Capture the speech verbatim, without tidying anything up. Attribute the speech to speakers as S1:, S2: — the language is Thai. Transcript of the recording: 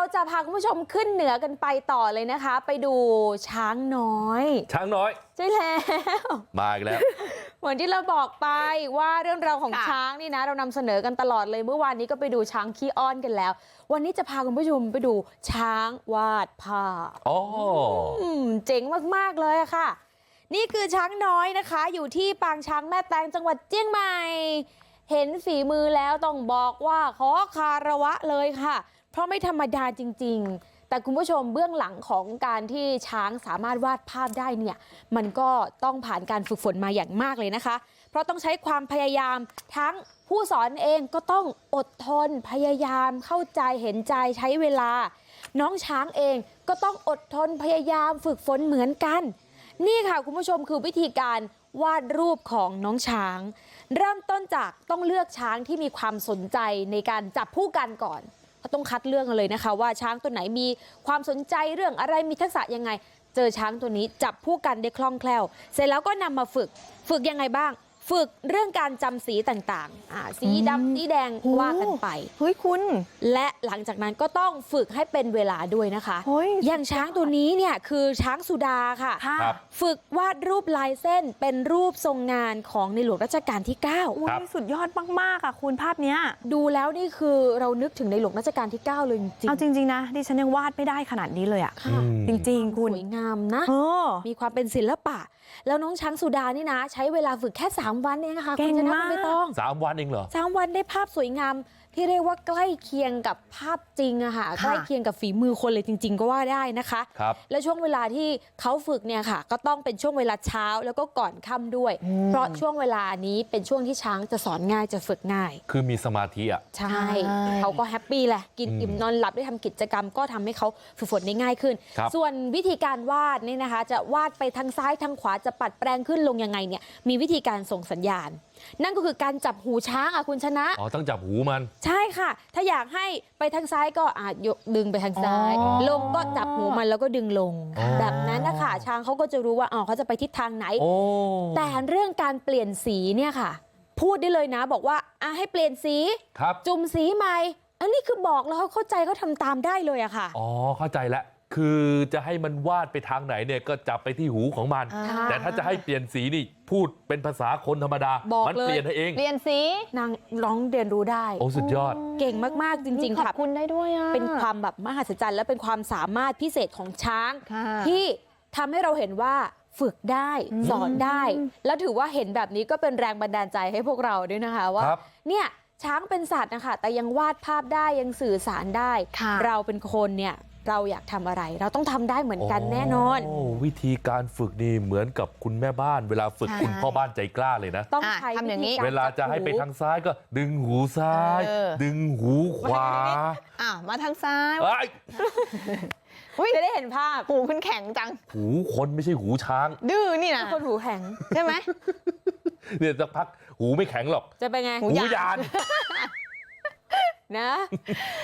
S1: จะพาคุณผู้ชมขึ้นเหนือกันไปต่อเลยนะคะ ไปดูช้างน้อย
S2: ช้างน้อย
S1: ใช่แล้ว
S2: มาอีกแล้ว
S1: เหมือนที่เราบอกไปว่าเรื่องราวของช้างนี่นะเรานำเสนอกันตลอดเลยเมื่อวานนี้ก็ไปดูช้างขี้อ้อนกันแล้ววันนี้จะพาคุณผู้ชมไปดูช้างวาดภาพ
S2: อ๋อ
S1: เจ๋งมากๆเลยอะค่ะนี่คือช้างน้อยนะคะอยู่ที่ปางช้างแม่แตงจังหวัดเชียงใหม่เห็นฝีมือแล้วต้องบอกว่าขอคารวะเลยค่ะเพราะไม่ธรรมดาจริงๆแต่คุณผู้ชมเบื้องหลังของการที่ช้างสามารถวาดภาพได้เนี่ยมันก็ต้องผ่านการฝึกฝนมาอย่างมากเลยนะคะเพราะต้องใช้ความพยายามทั้งผู้สอนเองก็ต้องอดทนพยายามเข้าใจเห็นใจใช้เวลาน้องช้างเองก็ต้องอดทนพยายามฝึกฝนเหมือนกันนี่ค่ะคุณผู้ชมคือวิธีการวาดรูปของน้องช้างเริ่มต้นจากต้องเลือกช้างที่มีความสนใจในการจับผู้กันก่อนเขาต้องคัดเลือกกันเลยนะคะว่าช้างตัวไหนมีความสนใจเรื่องอะไรมีทักษะยังไงเจอช้างตัวนี้จับผู้กันได้คล่องแคล่วเสร็จแล้วก็นำมาฝึกฝึกยังไงบ้างฝึกเรื่องการจำสีต่างๆอ่าสีดำสีแดงว่ากันไป
S3: เฮ้ยคุณ
S1: และหลังจากนั้นก็ต้องฝึกให้เป็นเวลาด้วยนะคะอย่างช้างตัวนี้เนี่ยคือช้างสุดาค่ะฝึกวาดรูปลายเส้นเป็นรูปทรงงานของในหลวงรัชกาลที่เก้า
S3: สุดยอดมากๆอ่ะคุณภาพเนี้ย
S1: ดูแล้วนี่คือเรานึกถึงในหลวงรัชกาลที่เก้าเลยจริง
S3: เอาจริงๆนะดิฉันยังวาดไม่ได้ขนาดนี้เลยอ่ะจริงๆคุณ
S1: สวยงามนะมีความเป็นศิลปะแล้วน้องช้างสุดานี่นะใช้เวลาฝึกแค่สามวันเองค่ะ
S3: เก่งมาก
S1: ไม่ต้อง
S2: สามวันเองเหรอ
S1: สามวันได้ภาพสวยงามที่เรียกว่าใกล้เคียงกับภาพจริงอะค่ะใกล้เคียงกับฝีมือคนเลยจริงๆก็ว่าได้นะคะ
S2: ครับ
S1: และช่วงเวลาที่เขาฝึกเนี่ยค่ะก็ต้องเป็นช่วงเวลาเช้าแล้วก็ก่อนค่ำด้วยเพราะช่วงเวลานี้เป็นช่วงที่ช้างจะสอนง่ายจะฝึกง่าย
S2: คือมีสมาธิอ่ะ
S1: ใช่เขาก็แฮปปี้แหละกินอิ่มนอนหลับได้ทำกิจกรรมก็ทำให้เขาฝึกฝนได้ง่ายขึ้นส่วนวิธีการวาดนี่นะคะจะวาดไปทางซ้ายทางขวาจะปัดแปลงขึ้นลงยังไงเนี่ยมีวิธีการส่งสัญญาณนั่นก็คือการจับหูช้างอ่ะคุณชนะ
S2: อ๋อต้องจับหูมัน
S1: ใช่ค่ะถ้าอยากให้ไปทางซ้ายก็อาจยกดึงไปทางซ้ายลงก็จับหูมันแล้วก็ดึงลงแบบนั้นนะคะช้างเขาก็จะรู้ว่าอ๋อเขาจะไปทิศทางไหนแต่เรื่องการเปลี่ยนสีเนี่ยค่ะพูดได้เลยนะบอกว่าอ่ะให้เปลี่ยนสีจุ่มสีใหม่อันนี้คือบอกแล้วเขาเข้าใจเขาทำตามได้เลยอะค่ะ
S2: อ๋อเข้าใจแล้วคือจะให้มันวาดไปทางไหนเนี่ยก็จับไปที่หูของมันแต่ถ้าจะให้เปลี่ยนสีนี่พูดเป็นภาษาคนธรรมดามันเปลี่ยนให้เอง
S3: เปลี่ยนสี
S1: นางร้องเรียนรู้ได้
S2: โอ้สุดยอด
S1: เก่งมากๆจริงๆค่ะ
S3: ขอบคุณได้ด้วยอ่ะ
S1: เป็นความแบบมหัศจรรย์และเป็นความสามารถพิเศษของช้างที่ทำให้เราเห็นว่าฝึกได้สอนได้แล้วถือว่าเห็นแบบนี้ก็เป็นแรงบันดาลใจให้พวกเราด้วยนะคะว่าเนี่ยช้างเป็นสัตว์นะคะแต่ยังวาดภาพได้ยังสื่อสารได้เราเป็นคนเนี่ยเราอยากทำอะไรเราต้องทำได้เหมือนกันแน่นอน
S2: วิธีการฝึกนี่เหมือนกับคุณแม่บ้านเวลาฝึกคุณพ่อบ้านใจกล้าเลยนะ
S1: ต้องใช้
S3: ทำอย่างนี้
S2: เวลาจะให้ไปทางซ้ายก็ดึงหูซ้ายดึงหูขวา
S3: อ่ะมาทางซ้าย
S1: จะได้เห็นภาพ
S3: หูคุณแข็งจัง
S2: หูคนไม่ใช่หูช้าง
S3: ดื้อนี่นะ
S1: คนหูแข็ง
S3: ใช่ไหม
S2: เนี่ยสักพักหูไม่แข็งหรอก
S1: จะเป็นไง
S2: หูยาน
S1: นะ